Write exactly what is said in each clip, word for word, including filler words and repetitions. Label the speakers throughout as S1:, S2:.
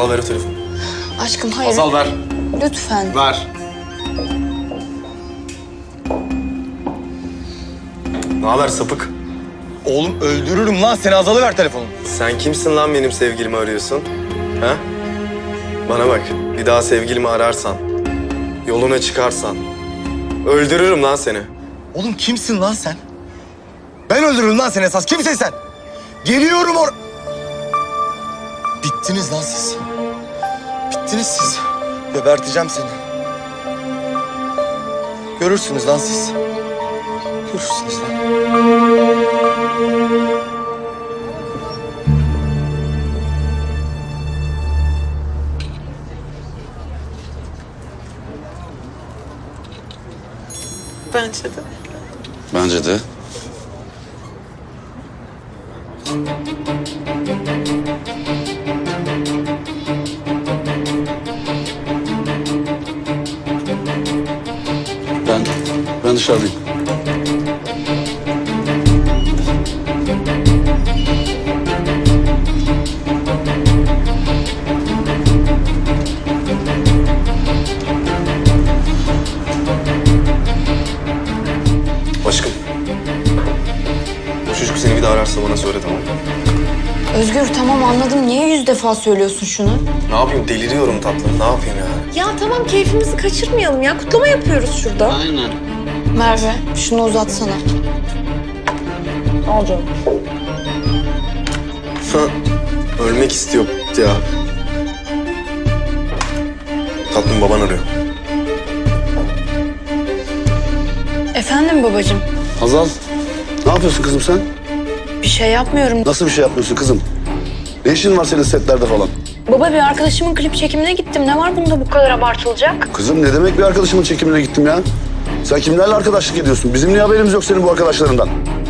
S1: Hazal ver o telefonu.
S2: Aşkım hayır.
S1: Hazal ver.
S2: Lütfen.
S1: Ver. Ne haber sapık?
S3: Oğlum öldürürüm lan seni, Hazal'ı ver telefonu.
S1: Sen kimsin lan benim sevgilimi arıyorsun? Ha? Bana bak, bir daha sevgilimi ararsan, yoluna çıkarsan, öldürürüm lan seni.
S3: Oğlum kimsin lan sen? Ben öldürürüm lan seni esas. Kimsin sen? Geliyorum or... Bittiniz lan siz. Bittiniz siz. Geberteceğim seni. Görürsünüz lan siz. Görürsünüz lan.
S4: Bence de.
S5: Bence de. Ben, ben dışarıdayım.
S1: Aşkım, bu çocuk seni bir daha ararsa bana söyle, tamam mı?
S2: Özgür tamam anladım. Niye yüz defa söylüyorsun şunu?
S1: Ne yapayım, deliriyorum tatlım, ne yapayım ya?
S4: Ya tamam keyfimizi kaçırmayalım ya. Kutlama yapıyoruz şurada.
S5: Aynen.
S2: Merve şunu uzatsana. Al canım.
S1: Ölmek istiyor ya. Tatlım, baban arıyor.
S2: Efendim babacığım.
S5: Hazal, ne yapıyorsun kızım sen?
S2: Bir şey yapmıyorum.
S5: Nasıl bir şey yapmıyorsun kızım? Ne işin var senin setlerde falan?
S2: Baba bir arkadaşımın klip çekimine gittim. Ne var bunda bu kadar abartılacak?
S5: Kızım ne demek bir arkadaşımın çekimine gittim ya? Sen kimlerle arkadaşlık ediyorsun? Bizim niye haberimiz yok senin bu arkadaşlarından?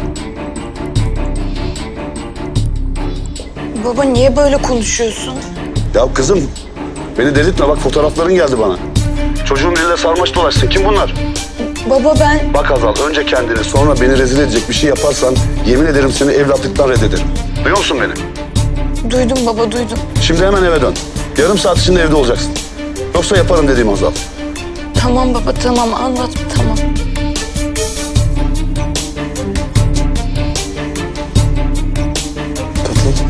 S2: Baba niye böyle konuşuyorsun?
S5: Ya kızım, beni delirtme bak fotoğrafların geldi bana. Çocuğun diline sarmaş dolaşsın. Kim bunlar?
S2: Baba ben...
S5: Bak Hazal, önce kendini sonra beni rezil edecek bir şey yaparsan yemin ederim seni evlatlıktan reddederim. Duyuyor musun beni?
S2: Duydum baba duydum.
S5: Şimdi hemen eve dön. Yarım saat içinde evde olacaksın. Yoksa yaparım dediğim Hazal.
S2: Tamam baba tamam anladım tamam.
S1: Tatlım.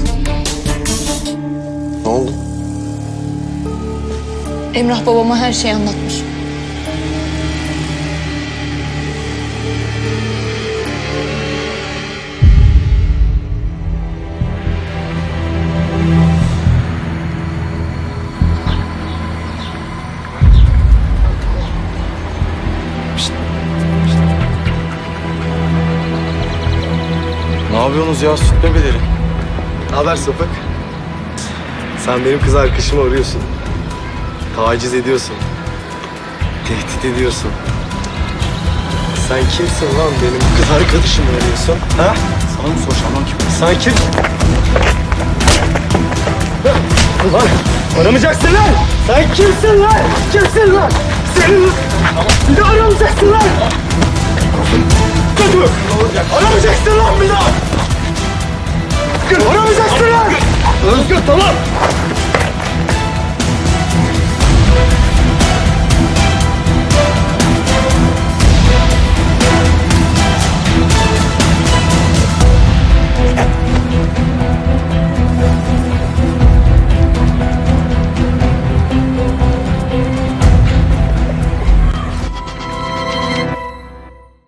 S1: Ne oldu?
S2: Emrah babama her şeyi anlatmış.
S3: Ne yapıyorsunuz ya süt bebeleri?
S1: Ne haber sapık? Sen benim kız arkadaşımı arıyorsun. Taciz ediyorsun. Tehdit ediyorsun. Sen kimsin lan benim kız arkadaşımı arıyorsun? Ha?
S3: Sana mı soracağım lan kim?
S1: Sen kim? Ulan aramayacaksın lan! Sen kimsin lan? Kimsin lan? Senin... Bir daha aramayacaksın lan! Dur! Aramayacaksın lan bir daha! Aramayacaksın lan! Özgür tamam!